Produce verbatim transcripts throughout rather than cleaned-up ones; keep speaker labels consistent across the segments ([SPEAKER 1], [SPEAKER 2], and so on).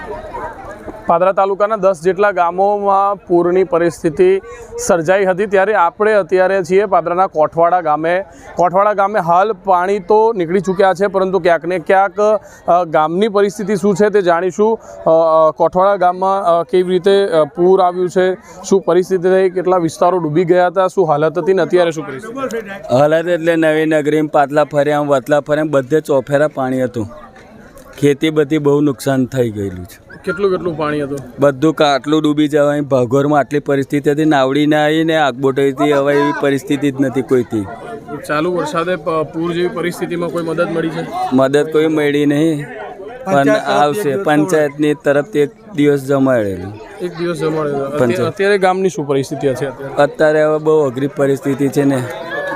[SPEAKER 1] પાદરા તાલુકાના દસ જેટલા ગામોમાં પૂરની પરિસ્થિતિ સર્જાઈ હતી ત્યારે આપણે અત્યારે છીએ પાદરાના કોઠવાડા ગામે કોઠવાડા ગામે હાલ પાણી તો નીકળી ચૂક્યા છે પરંતુ ક્યાંક ને ક્યાંક ગામની પરિસ્થિતિ શું છે તે જાણીશું। કોઠવાડા ગામમાં કેવી રીતે પૂર આવ્યું છે, શું પરિસ્થિતિ થઈ, કેટલા વિસ્તારો ડૂબી ગયા હતા, શું હાલત હતી ને અત્યારે શું પરિસ્થિતિ?
[SPEAKER 2] હાલત એટલે નવી નગરી પાટલા ફર્યા વતલા ફર્યા બધે ચોફેરા પાણી હતું। ખેતી બધી બહુ નુકસાન થઈ ગયેલું છે।
[SPEAKER 1] કેટલું કેટલું પાણી હતું?
[SPEAKER 2] બધું કાટલું ડૂબી જવાય, ભાગોરમાં આટલી પરિસ્થિતિ હતી, નાવડી ના આવી ને આગબોટાઈથી હવે એવી પરિસ્થિતિ જ નથી કોઈથી।
[SPEAKER 1] ચાલુ વરસાદે પૂર જેવી પરિસ્થિતિમાં કોઈ મદદ મળી છે?
[SPEAKER 2] મદદ કોઈ મળી નહીં, પણ આવશે પંચાયતની તરફથી એક દિવસ જમાડેલું
[SPEAKER 1] એક દિવસ જમાડેલું અત્યારે ગામની શું પરિસ્થિતિ છે?
[SPEAKER 2] અત્યારે હવે બહુ અઘરી પરિસ્થિતિ છે ને।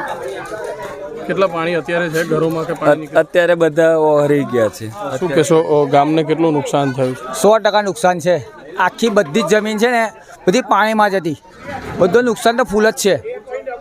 [SPEAKER 1] કેટલા પાણી અત્યારે છે ઘરોમાં કે પાણી?
[SPEAKER 2] અત્યારે બધા ઓહરી ગયા છે।
[SPEAKER 1] શું કહેશો, ગામને કેટલું નુકસાન થયું?
[SPEAKER 3] સો ટકા નુકસાન છે। આખી બધી જ જમીન છે ને બધી પાણીમાં જ હતી, બધું નુકસાન તો ફૂલ જ છે।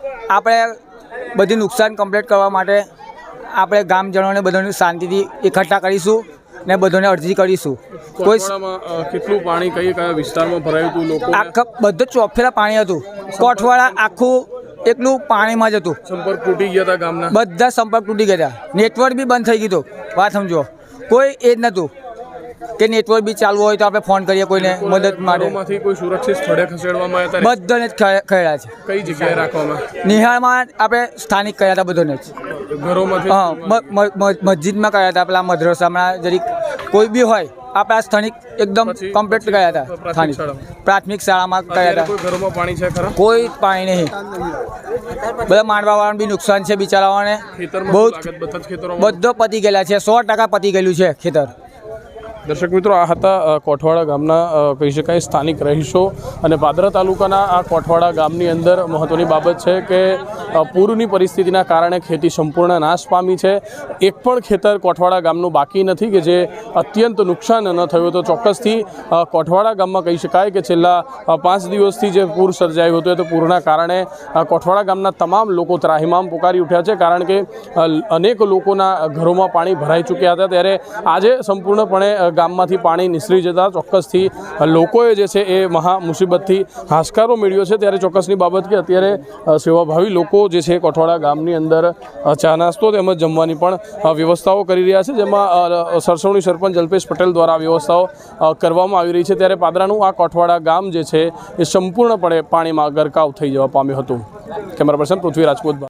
[SPEAKER 3] આપણે બધી નુકસાન કમ્પ્લીટ કરવા માટે આપણે ગામજનોને બધાને શાંતિથી એકઠા કરીશું ને બધાને અરજી કરીશું। કોઈ
[SPEAKER 1] કેટલું પાણી કઈ કયા વિસ્તારમાં ભરાયું હતું? લોકો
[SPEAKER 3] આખા બધું ચોફેરા પાણી હતું, કોઠવાડા આખું એકલું પાણીમાં જ હતું।
[SPEAKER 1] સંપર્ક તૂટી ગયા હતા ગામના
[SPEAKER 3] બધા, સંપર્ક તૂટી ગયા હતા, નેટવર્ક બી બંધ થઈ ગયું હતું। વાત સમજો, કોઈ એ જ નહોતું કે નેટવર્ક બી ચાલુ હોય તો આપણે ફોન કરીએ કોઈને મદદ માટે।
[SPEAKER 1] કોઈ સુરક્ષિત સ્થળે ખસેડવામાં આવ્યા હતા?
[SPEAKER 3] બધાને જ ખસેડ્યા છે।
[SPEAKER 1] કઈ જગ્યાએ રાખવામાં?
[SPEAKER 3] નિહાળમાં આપણે સ્થાનિક કર્યા હતા બધાને જ
[SPEAKER 1] ઘરોમાંથી?
[SPEAKER 3] હા, મસ્જિદમાં કર્યા હતા, પેલા મદ્રસામાં જરીક કોઈ બી હોય આપણા સ્થાનિક એકદમ કમ્પ્લીટ ગયા હતા। સ્થાનિક પ્રાથમિક શાળામાં ગયા હતા।
[SPEAKER 1] કોઈ ઘરોમાં પાણી છે ખરા?
[SPEAKER 3] કોઈ પાણી નહીં, બધા માંડવાવાળાને બી નુકસાન છે બિચારાઓને, બહુ બધો પતી ગયેલા છે, સો ટકા પતી ગયેલું છે ખેતર।
[SPEAKER 1] દર્શક મિત્રો, આ હતા કોઠવાડા ગામના કહી શકાય સ્થાનિક રહીશો અને પાદરા તાલુકાના આ કોઠવાડા ગામની અંદર મહત્ત્વની બાબત છે કે પૂરની પરિસ્થિતિના કારણે ખેતી સંપૂર્ણ નાશ પામી છે। એક પણ ખેતર કોઠવાડા ગામનું બાકી નથી કે જે અત્યંત નુકસાન ન થયું। તો ચોક્કસથી કોઠવાડા ગામમાં કહી શકાય કે છેલ્લા પાંચ દિવસથી જે પૂર સર્જાયું હતું તો પૂરના કારણે કોઠવાડા ગામના તમામ લોકો ત્રાહિમામ પુકારી ઉઠ્યા છે, કારણ કે અનેક લોકોના ઘરોમાં પાણી ભરાઈ ચૂક્યા હતા। ત્યારે આજે સંપૂર્ણપણે ગામમાંથી પાણી નિસરી જતા ચોક્કસથી લોકોએ જે છે એ મહા મુસીબતથી હાશકારો મેળવ્યો છે। ત્યારે ચોક્કસની બાબત કે અત્યારે સેવાભાવી લોકો જે છે કોઠવાડા ગામની અંદર ચા નાસ્તો તેમજ જમવાની પણ વ્યવસ્થાઓ કરી રહ્યા છે, જેમાં સરસવણી સરપંચ અલ્પેશ પટેલ દ્વારા વ્યવસ્થાઓ કરવામાં આવી રહી છે। ત્યારે પાદરાનું આ કોઠવાડા ગામ જે છે એ સંપૂર્ણપણે પાણીમાં ગરકાવ થઈ જવા પામ્યું હતું। Camera person Prithvi Rajput.